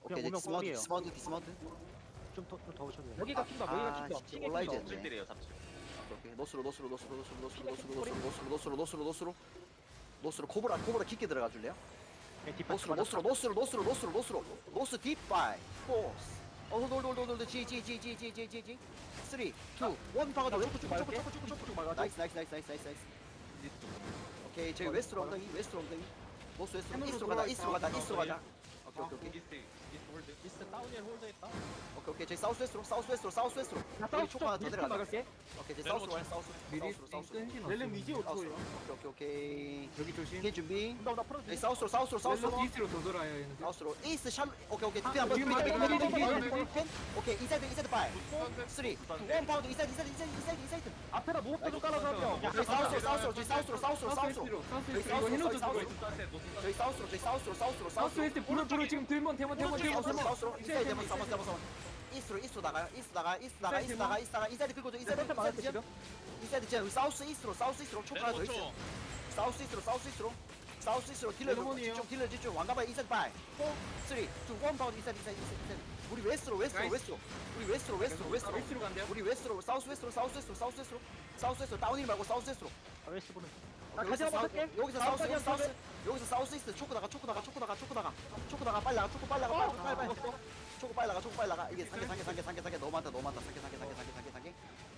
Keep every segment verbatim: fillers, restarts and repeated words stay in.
오케이 오면 디스마운트 뻥이에요. 디스마운트 디스마운트. 좀더 오셔도 돼요. 여기가 킨다. 아, 여기가 킨다. 진짜 킹에 온라인 킨다. 젠. 칠들이에요 삽질. 오케이 오케이 노스로 노스로 노스로 노스로 노스로 노스로 피가 노스로 노스로 노스로 노스로 노스로 노스로 코브라 코브라 깊게 들어가 줄래요? 네, 뒷발 노스로 노스로 노스로 노스로 노스로 노스로 노스 딥바이 포스 어홀홀홀홀홀 지지지지지지지지 쓰리 투 원 박아줘 초코 초코 초코 초코 초코 초코 초코 나이스 나이스 나이스 나이스 나이스 나이스 오케이 저기 웨스트로 엉덩이 웨스트로 엉덩이 노스 웨스트로 이스트로 가자 이스트로 가자 이스트로 가자 오케이 오케이 오케이 이스트 이스트 홀드. 이스트 다운힐 홀드 있다. 오케이 오케이 저기 사우스 웨스트로 사우스 웨스트로 사우스 웨스트로 나 여기 사우스 초코 하나 더 쪽 들어가자 막을게. 오케이 저기 사우스로 가요 사우스 사우스로 사우스로 렐름 이제 오 사우스로 초예요. 오케이 오케이 오케이 여기 조심. 이게 준비 나, 나 풀어줘. 여기 사우스로 사우스로 사우스로 렐름 이스트로 더 돌아요 얘는. 사우스로 이스트 샬 오케이 오케이 아, 디펜 한번 여기 디펜 맞아, 한번 여기 디펜 맞아, 한번 여기 디펜 오케이 인사이드 인사이드 파이 쓰리 원 파운드 인사이드 인사이드 인사이드 인사이드 인사이드 앞에다 무겁게 좀 깔아줘 한 명. 저희 사우스로 사우스로 저희 사우스로 사우스로 사우스로 사우스 저희 웨스트 이거 사우스로 해노저 저희 주고 사우스로 있어. 저희 사우스로 저희 사우스로 사우스로 사우스 사우스로 웨스트 불어 불어 지금 들먼 대먼 대먼 저희 대먼 사우스로 대먼. 사우스로 인사이드 대만 사만 사만 사만 이스트로 이스트로 나가요 이스트 나가 이스트 나가 이스트 나가 이스트 나가 인사이드 긁어줘 인사이드 센터 막을게 인사이드 지금. 인사이드 제 사우스 이스트로 사우스 이스트로 촉 하나 더 있어 사우스 이스트로 사우스 이스트로 사우스 이스트로 딜러 레몬이에요. 집중 딜러 집중 왕가바이 인사이드 파이 포 쓰리 투 원 파운드 인사이드 인사이드 인사이드 우리 웨스트로 웨스트로 나이스. 웨스트로 우리 웨스트로 웨스트로 웨스트로 웨스트로 간대요. 우리 웨스트로 사우스 웨스트로 사우스 웨스트로 사우스 웨스트로 사우스 웨스트로 다운힐 말고 사우스 웨스트로 아, 웨스트 보는. 나 오케이, 다시 여기서 한번 사우- 할게. 여기서 사우스 여기서 사우스 여기서 사우스 이스트 초코 나가 초코 나가 초코 나가 초코 나가 초코 나가 빨리 나가 초코 빨리 나가 빨리 빨리 빨리 초코 빨리 나가 초코 빨리 나가 이게 상계 상계 상계 상계 상계 너무 많다 너무 많다 상계 상계 상계 상계 상계 상계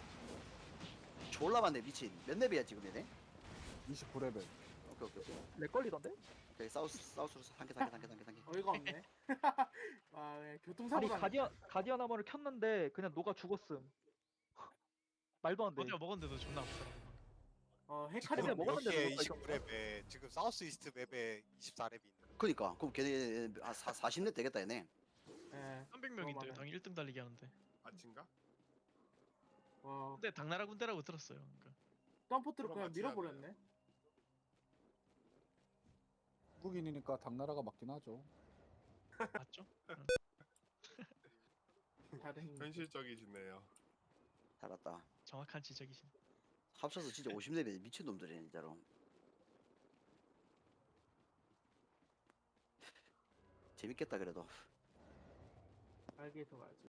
졸라 많네 미친 몇 렙이야 지금 얘네 이십구 레벨. 오케이 오케이 오케이 렉 걸리던데? 오케이 사우스 사우스로 상계 상계 상계 상계 상계 어이가 없네. 아 예, 아니 교통사고 가. 가디언 가디언 아머를 켰는데 그냥 녹아 죽었음. 말도 안 돼. 어디가 먹었는데도 존나 아프더라고. 어 카리가 헤카리가 먹었- 먹었는데 여기에 누가 이십구 레벨, 지금 사우스 이스트 맵에 이십사 렙이 있는. 그니까 그럼 걔네 한 사십 렙 되겠다 얘네 예. 삼백 명인데 어, 당 일 등 달리기 하는데. 아친가? 와 근데 당나라 군대라고 들었어요. 그러니까. 덤포트로 그냥 그럼 맞지 밀어버렸네. 한국인이니까 당나라가 맞긴 하죠. 맞죠? 다른 현실적이시네요. 살았다 정확한 지적이신. 합쳐서 진짜 오십 렙이 미친놈들이네 진짜로 재밌겠다 그래도 알게서 가야지.